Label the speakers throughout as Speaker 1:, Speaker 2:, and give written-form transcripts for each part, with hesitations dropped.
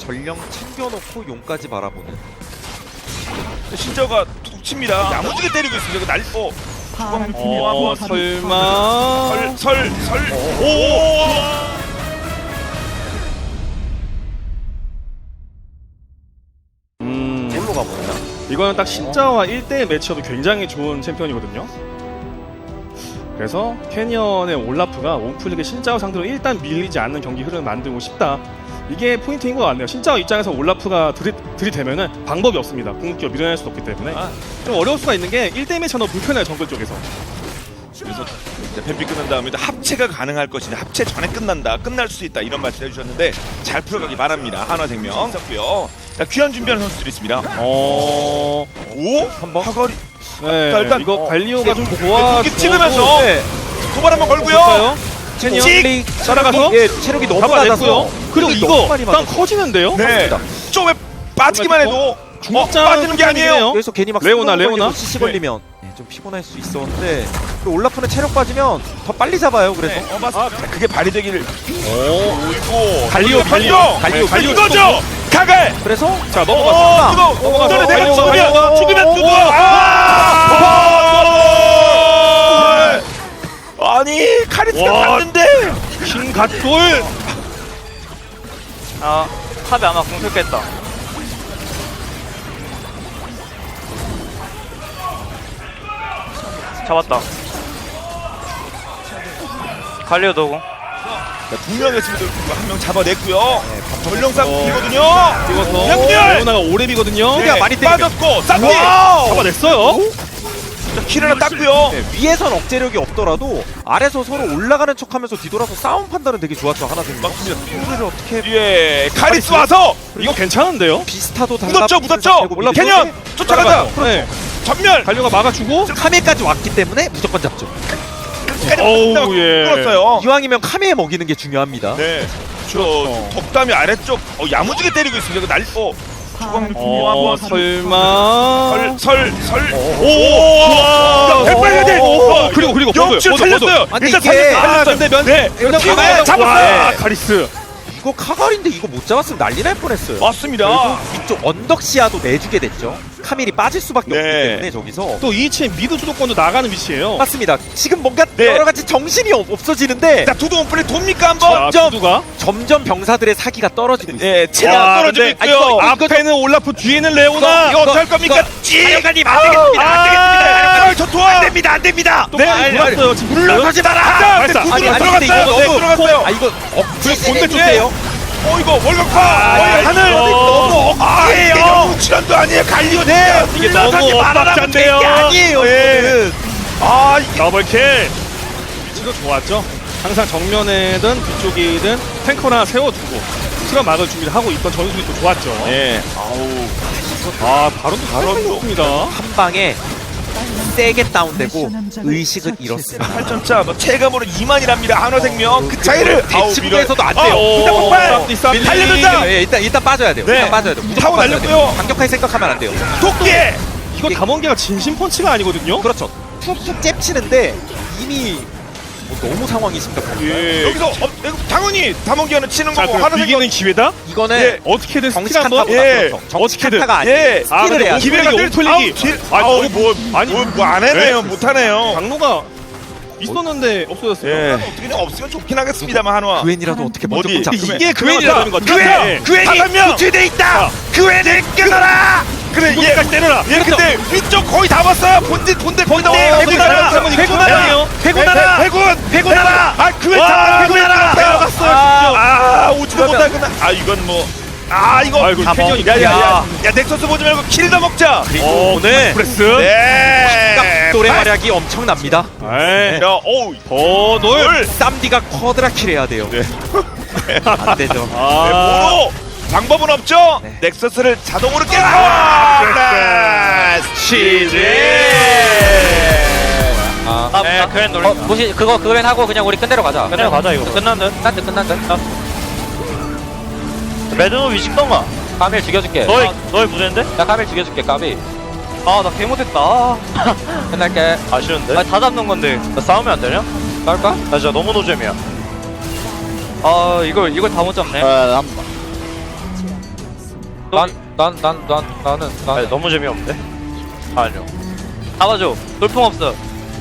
Speaker 1: 전령 챙겨놓고 용까지 바라보는.
Speaker 2: 신저가 툭 칩니다. 야무지게 때리고 있습니다. 날
Speaker 3: 설마
Speaker 2: 오.
Speaker 1: 뭘로 가보냐?
Speaker 3: 이거는 딱 신짜와 1대1 매치업이 굉장히 좋은 챔피언이거든요. 그래서 캐니언의 올라프가 옹플릭의 신짜오 상대로 일단 밀리지 않는 경기 흐름을 만들고 싶다. 이게 포인트인 것 같네요. 신짜오 입장에서 올라프가 들이대면은 방법이 없습니다. 궁극기로 밀어낼 수 없기 때문에 좀 어려울 수가 있는 게 1대1 매치가 너무 불편해요. 정글 쪽에서.
Speaker 2: 그래서 뱀피 끝난 다음에 합체가 가능할 것이냐, 합체 전에 끝날 수 있다 이런 말씀 해주셨는데 잘 풀어가기 바랍니다. 한화생명 있었고요. 자, 귀환 준비하는 선수들이 있습니다.
Speaker 3: 오,
Speaker 2: 한번 화거리.
Speaker 3: 네,
Speaker 2: 자, 일단
Speaker 3: 이거 관리오가 좀 좋아.
Speaker 2: 찍으면서 도발 한번 걸고요.
Speaker 3: 볼까요? 캐니언 따라가서
Speaker 1: 체력이 너무
Speaker 3: 잡아냈고요.
Speaker 1: 낮아서.
Speaker 3: 그리고 이거 일단 커지는데요.
Speaker 2: 네. 좀에 빠지기만 해도 빠지는 게 아니에요.
Speaker 1: 그래서 괜히 막
Speaker 3: 레오나
Speaker 1: CC 걸리면 좀 피곤할 수 있었는데 그 올라프는 체력 빠지면 더 빨리 잡아요. 그래서
Speaker 2: 그게 발휘 되기를. 오,
Speaker 3: 갈리오
Speaker 2: 이거죠. 가갈.
Speaker 1: 그래서
Speaker 3: 자 넘어갔습니다.
Speaker 2: 이거 내가
Speaker 3: 갈리오가
Speaker 2: 죽으면 누구? 아니 카리스가 갔는데
Speaker 3: 킹갓돌.
Speaker 4: 탑에 아마 공 쓸겠다. 잡았다. 갈리오 도구.
Speaker 2: 두 명이었습니다. 한 명 잡아냈고요. 전령상이거든요.
Speaker 3: 찍어서
Speaker 2: 양렬!
Speaker 3: 레오나가 오랩이거든요.
Speaker 2: 네,
Speaker 1: 많이
Speaker 2: 빠졌고 쌈디
Speaker 3: 잡아냈어요.
Speaker 2: 킬 하나 땄고요.
Speaker 1: 위에선 억제력이 없더라도 아래서 서로 올라가는 척하면서 뒤돌아서 싸움 판단은 되게 좋았죠. 하나생명.
Speaker 2: 맞습니다.
Speaker 1: 이거를 어떻게
Speaker 2: 예, 카리스 와서
Speaker 3: 이거 괜찮은데요?
Speaker 1: 비스타도
Speaker 2: 묻었죠. 캐년 쫓아가자.
Speaker 3: 네.
Speaker 2: 전멸.
Speaker 3: 갈리오가 막아주고.
Speaker 1: 카메까지 왔기 때문에 무조건 잡죠.
Speaker 3: 어우 예.
Speaker 2: 끌었어요.
Speaker 1: 이왕이면 카메에 먹이는 게 중요합니다.
Speaker 2: 네. 저 덕담이 아래쪽 야무지게 때리고 있습니다. 날
Speaker 3: 설마.
Speaker 2: 오. 백발해야 돼.
Speaker 3: 그리고
Speaker 2: 영출 살렸어요. 일단 살렸어요.
Speaker 3: 근데 면.
Speaker 2: 네.
Speaker 3: 잡았어요. 카리스.
Speaker 1: 이거 카갈인데 이거 못 잡았으면 난리 날 뻔했어요.
Speaker 2: 맞습니다.
Speaker 1: 이쪽 언덕 시야도 내주게 됐죠. 카밀이 빠질 수밖에 없기 때문에 저기서
Speaker 3: 또 2층 미드 주도권도 나가는 위치예요.
Speaker 1: 맞습니다. 지금 뭔가
Speaker 2: 네.
Speaker 1: 여러 가지 정신이 없어지는데
Speaker 2: 자, 두둥 플레이 돕니까 한번?
Speaker 3: 두두가.
Speaker 1: 점점 병사들의 사기가 떨어지고 있어요.
Speaker 2: 예, 체력 떨어지고 있고요.
Speaker 3: 앞에는 올라프, 뒤에는 레오나.
Speaker 2: 이거 어떻게 할 겁니까?
Speaker 1: 사령관님 안 되겠습니다.
Speaker 2: 전투와 안 됩니다.
Speaker 3: 또 물었어요. 지금
Speaker 1: 물러서지 마라.
Speaker 2: 발사.
Speaker 1: 아니,
Speaker 2: 들어갔어요.
Speaker 1: 이거
Speaker 2: 네,
Speaker 1: 너무
Speaker 2: 들어갔어요.
Speaker 1: 이거 억지시네.
Speaker 3: 본대 쪽이에요.
Speaker 2: 이거 월급파. 하늘 너무 억지예요. 출연도 아니에요. 갈리오. 네.
Speaker 3: 이게 너무 엇박자인데요.
Speaker 1: 게 아니에요. 이거는.
Speaker 3: 더블킬. 위치도 좋았죠. 항상 정면에든 뒤쪽이든 탱커나 세워두고 시간 막을 준비를 하고 있던 전술이 또 좋았죠.
Speaker 2: 네.
Speaker 3: 바론도 좋습니다.
Speaker 1: 한 방에 세게 다운되고 의식을 잃었습니다.
Speaker 2: 8점차 뭐 체감으로 2만이랍니다. 한화생명 그 차이를
Speaker 1: 대치부에서도 안 돼요.
Speaker 2: 일단 폭발. 달려든다.
Speaker 1: 예, 일단 빠져야 돼요.
Speaker 2: 네.
Speaker 1: 일단 빠져야 돼요. 무조건
Speaker 2: 타고
Speaker 1: 빠져야 돼요.
Speaker 2: 날렸고요.
Speaker 1: 강력하게 생각하면 안 돼요.
Speaker 2: 도끼.
Speaker 3: 이거 담원계가 진심 펀치가 아니거든요.
Speaker 1: 그렇죠. 툭툭 잽치는데 이미 너무 상황이 심각합니다.
Speaker 3: 예.
Speaker 2: 여기서 당연히 담원기어는 치는
Speaker 3: 자,
Speaker 2: 거고
Speaker 3: 그럼
Speaker 2: 한화생명
Speaker 3: 이기는 기회다.
Speaker 1: 이거는
Speaker 2: 예.
Speaker 3: 어떻게든 스킬
Speaker 1: 정치
Speaker 3: 한번.
Speaker 1: 칸타보다
Speaker 2: 예.
Speaker 1: 그렇죠. 정치
Speaker 3: 어떻게든.
Speaker 1: 칸타가 아니에요.
Speaker 2: 예.
Speaker 1: 스킬을 해야 돼요.
Speaker 2: 기회가 늘
Speaker 3: 옴플릭이.
Speaker 2: 뭐안 해네요. 못 하네요.
Speaker 3: 강로가 있었는데 없어졌어요.
Speaker 2: 예. 어떻게 없으면 좋긴 하겠습니다만 한화.
Speaker 1: 그웬이라도 어떻게 먼저
Speaker 2: 어디?
Speaker 1: 잡으면
Speaker 3: 이게 그웬이라는 것 같아요.
Speaker 2: 그웬이 구출돼 있다. 그웬을 끊어라. 그래
Speaker 3: 이거까지 때려라.
Speaker 2: 얘 근데 위쪽 거의 다 왔어요. 본대 거의 다 왔어요.
Speaker 3: 회군하라.
Speaker 2: 회군하라. 아 그웬 잡아. 회군하라.
Speaker 3: 들어갔어요.
Speaker 2: 오지도 못하구나. 이건 뭐. 이거
Speaker 3: 아이고, 캐년이
Speaker 2: 야야야 넥서스 보지 말고 킬 더 먹자.
Speaker 3: 네. 프레스.
Speaker 2: 네.
Speaker 1: 노래 활약이 엄청납니다.
Speaker 3: 네.
Speaker 2: 야, 오우.
Speaker 3: 더돌.
Speaker 1: 쌈디가 쿼드라킬 해야 돼요.
Speaker 2: 네.
Speaker 1: 안 되죠.
Speaker 2: 뭐로? 방법은 없죠?
Speaker 1: 네.
Speaker 2: 넥서스를 자동으로 깨라! 치즈!
Speaker 4: 네, 그랜 놀리. 무시 그거 그랜 하고 그냥 우리 끝내러 가자. 끝내러 가자 이거. 끝난 듯. 끝난 듯. 매드노 위식던가. 카밀 죽여줄게. 너희 무대인데? 나 카밀 죽여줄게. 까비. 나 개 못했다. 끝날게. 아쉬운데? 다 잡는 건데. 나 싸우면 안 되냐? 싸울까? 나 진짜 너무 노잼이야. 이걸 다 못 잡네. 나는 너무 재미없는데? 아니요. 잡아줘. 돌풍 없어.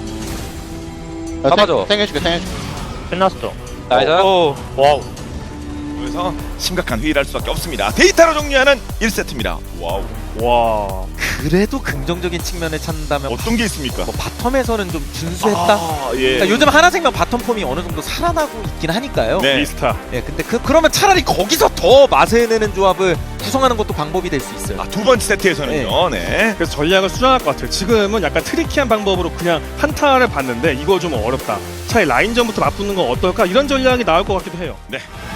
Speaker 4: 잡아줘.
Speaker 5: 땡겨줄게.
Speaker 4: 끝났어. 나이스. 와우.
Speaker 2: 그래서 심각한 회의를 할 수밖에 없습니다. 데이터로 정리하는 1세트입니다. 와우.
Speaker 3: 와.
Speaker 1: 그래도 긍정적인 측면을 찾는다면
Speaker 2: 어떤 게 있습니까?
Speaker 1: 뭐 바텀에서는 좀 준수했다.
Speaker 2: 아, 예.
Speaker 1: 그러니까 요즘 하나생명 바텀 폼이 어느 정도 살아나고 있긴 하니까요.
Speaker 2: 네.
Speaker 3: 미스타.
Speaker 1: 예, 근데 그러면 차라리 거기서 더 맛을 내는 조합을 구성하는 것도 방법이 될 수 있어요.
Speaker 2: 두 번째 세트에서는요. 네.
Speaker 3: 그래서 전략을 수정할 것 같아요. 지금은 약간 트리키한 방법으로 그냥 한타를 봤는데 이거 좀 어렵다. 차라리 라인전부터 맞붙는 건 어떨까? 이런 전략이 나올 것 같기도 해요.
Speaker 2: 네.